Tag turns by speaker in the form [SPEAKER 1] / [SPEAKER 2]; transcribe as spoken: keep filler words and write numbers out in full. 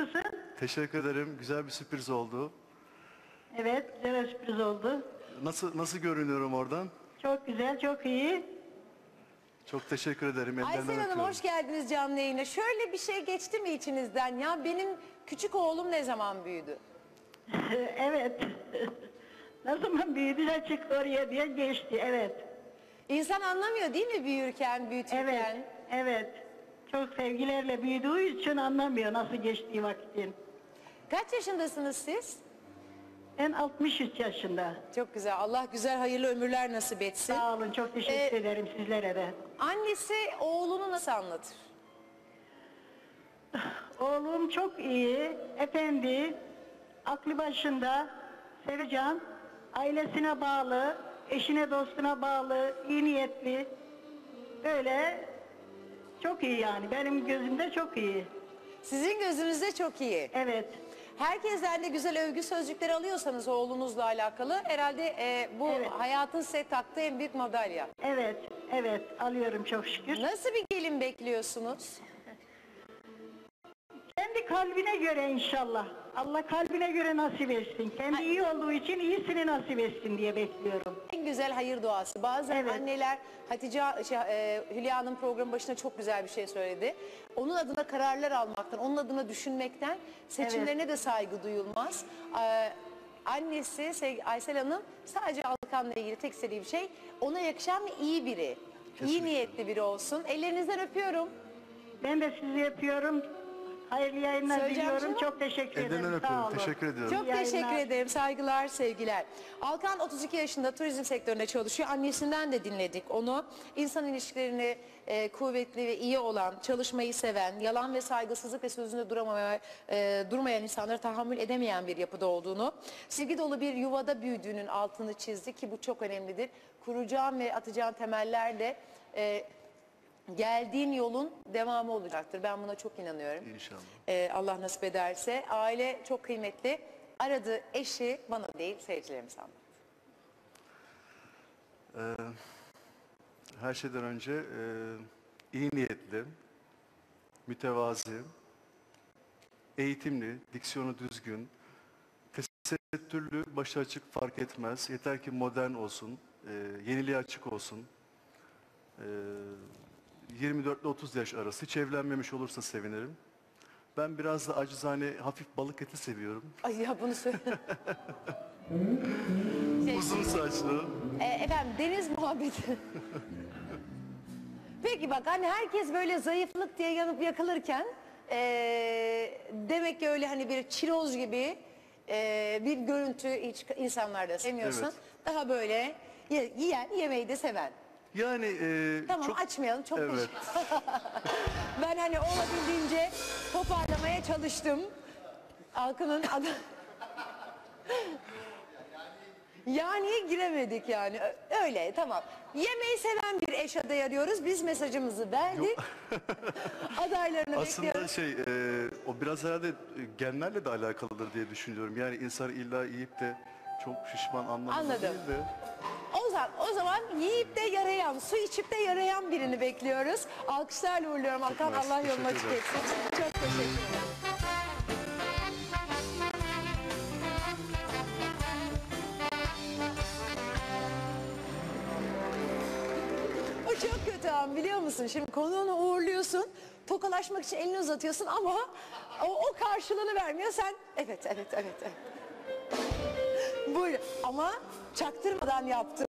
[SPEAKER 1] Nasılsın?
[SPEAKER 2] Teşekkür ederim. Güzel bir sürpriz oldu.
[SPEAKER 1] Evet, güzel bir sürpriz oldu.
[SPEAKER 2] Nasıl nasıl görünüyorum oradan?
[SPEAKER 1] Çok güzel, çok iyi.
[SPEAKER 2] Çok teşekkür ederim. Ellerinden
[SPEAKER 3] Aysel Hanım
[SPEAKER 2] öpüyorum.
[SPEAKER 3] hoş geldiniz canlı yayına. Şöyle bir şey geçti mi içinizden ya? Benim küçük oğlum ne zaman büyüdü?
[SPEAKER 1] Evet. Ne zaman büyüdüler çık oraya diye geçti, evet.
[SPEAKER 3] İnsan anlamıyor değil mi büyürken, büyütürken?
[SPEAKER 1] Evet, evet. Çok sevgilerle büyüdüğü için anlamıyor nasıl geçtiği vakitin.
[SPEAKER 3] Kaç yaşındasınız siz?
[SPEAKER 1] Ben altmış üç yaşında.
[SPEAKER 3] Çok güzel. Allah güzel hayırlı ömürler nasip etsin.
[SPEAKER 1] Sağ olun, çok teşekkür
[SPEAKER 3] Ee,
[SPEAKER 1] ederim sizlere de.
[SPEAKER 3] Annesi oğlunu nasıl anlatır?
[SPEAKER 1] Oğlum çok iyi, efendi, aklı başında, sevecen, ailesine bağlı, eşine dostuna bağlı, iyi niyetli. Böyle çok iyi yani, benim gözümde çok iyi.
[SPEAKER 3] Sizin gözünüzde çok iyi.
[SPEAKER 1] Evet,
[SPEAKER 3] Herkesten de güzel övgü sözcükleri alıyorsanız oğlunuzla alakalı herhalde e, bu
[SPEAKER 1] Evet.
[SPEAKER 3] hayatın size taktığı en büyük madalya.
[SPEAKER 1] evet, evet alıyorum çok şükür.
[SPEAKER 3] Nasıl bir gelin bekliyorsunuz?
[SPEAKER 1] Kendi kalbine göre inşallah. Allah kalbine göre nasip etsin. Kendi iyi olduğu için iyisini nasip etsin diye bekliyorum.
[SPEAKER 3] En güzel hayır duası. Bazen
[SPEAKER 1] Evet.
[SPEAKER 3] anneler, Hatice şey, e, Hülya'nın programı başında çok güzel bir şey söyledi. Onun adına kararlar almaktan, onun adına düşünmekten seçimlerine de saygı duyulmaz. Ee, annesi Sevgi- Aysel Hanım sadece Alkan'la ilgili tek istediği bir şey ona yakışan ve iyi biri. İyi
[SPEAKER 2] Kesinlikle.
[SPEAKER 3] niyetli biri olsun. Ellerinizden öpüyorum.
[SPEAKER 1] Ben de sizi yapıyorum. Hayırlı yayınlar
[SPEAKER 3] Söyleyeceğim
[SPEAKER 1] diliyorum.
[SPEAKER 3] şey var.
[SPEAKER 1] Çok teşekkür
[SPEAKER 2] Ellerinden
[SPEAKER 1] ederim. Sağ
[SPEAKER 2] öpüyorum.
[SPEAKER 1] olun.
[SPEAKER 2] Teşekkür ediyorum.
[SPEAKER 3] Çok
[SPEAKER 1] İyi
[SPEAKER 3] teşekkür
[SPEAKER 1] yayınlar.
[SPEAKER 3] ederim. Saygılar, sevgiler. Alkan otuz iki yaşında turizm sektöründe çalışıyor. Annesinden de dinledik onu. İnsan ilişkilerini e, kuvvetli ve iyi olan, çalışmayı seven, yalan ve saygısızlık ve sözünde duramaya, e, durmayan insanlara tahammül edemeyen bir yapıda olduğunu, sevgi dolu bir yuvada büyüdüğünün altını çizdi ki bu çok önemlidir. Kuracağın ve atacağın temeller de e, geldiğin yolun devamı olacaktır. Ben buna çok inanıyorum.
[SPEAKER 2] İnşallah.
[SPEAKER 3] Ee, Allah nasip ederse. Aile çok kıymetli. Aradığı eşi bana değil seyircilerimiz anlattı.
[SPEAKER 2] Ee, her şeyden önce e, iyi niyetli, mütevazi, eğitimli, diksiyonu düzgün, tesettürlü, başı açık fark etmez. Yeter ki modern olsun, e, yeniliğe açık olsun. E, yirmi dört ile otuz yaş arası. Hiç evlenmemiş olursa sevinirim. Ben biraz da acizane hafif balık eti seviyorum.
[SPEAKER 3] Ay ya bunu söyle. Şey,
[SPEAKER 2] Uzun saçlı.
[SPEAKER 3] e, efendim deniz muhabbeti. Peki bak hani herkes böyle zayıflık diye yanıp yakılırken e, demek ki öyle hani bir çiroz gibi e, bir görüntü hiç insanlarda sevmiyorsun.
[SPEAKER 2] Evet.
[SPEAKER 3] Daha böyle ye- yiyen yemeği de seven.
[SPEAKER 2] Yani e,
[SPEAKER 3] Tamam
[SPEAKER 2] çok...
[SPEAKER 3] açmayalım çok
[SPEAKER 2] Evet.
[SPEAKER 3] teşekkür- Ben hani olabildiğince toparlamaya çalıştım. Halkının adı... Yani giremedik yani. Ö- Öyle tamam. Yemeği seven bir eş adayı arıyoruz. Biz mesajımızı verdik. Adaylarını
[SPEAKER 2] Aslında
[SPEAKER 3] bekliyoruz.
[SPEAKER 2] şey, e, o biraz herhalde e, genlerle de alakalıdır diye düşünüyorum. Yani insan illa yiyip de çok şişman anlamında
[SPEAKER 3] Anladım.
[SPEAKER 2] değil de.
[SPEAKER 3] O zaman, o zaman yiyip de yarayan, su içip de yarayan birini bekliyoruz. Alkışlarla uğurluyorum Hakan.
[SPEAKER 2] mersi,
[SPEAKER 3] Allah yolunu
[SPEAKER 2] teşekkür
[SPEAKER 3] açık
[SPEAKER 2] ederim.
[SPEAKER 3] etsin. Çok teşekkür ederim. O çok kötü an biliyor musun? Şimdi konuğunu uğurluyorsun. Tokalaşmak için elini uzatıyorsun ama o, o karşılığını vermiyor. Sen evet evet evet. evet. Buyur ama çaktırmadan yaptım.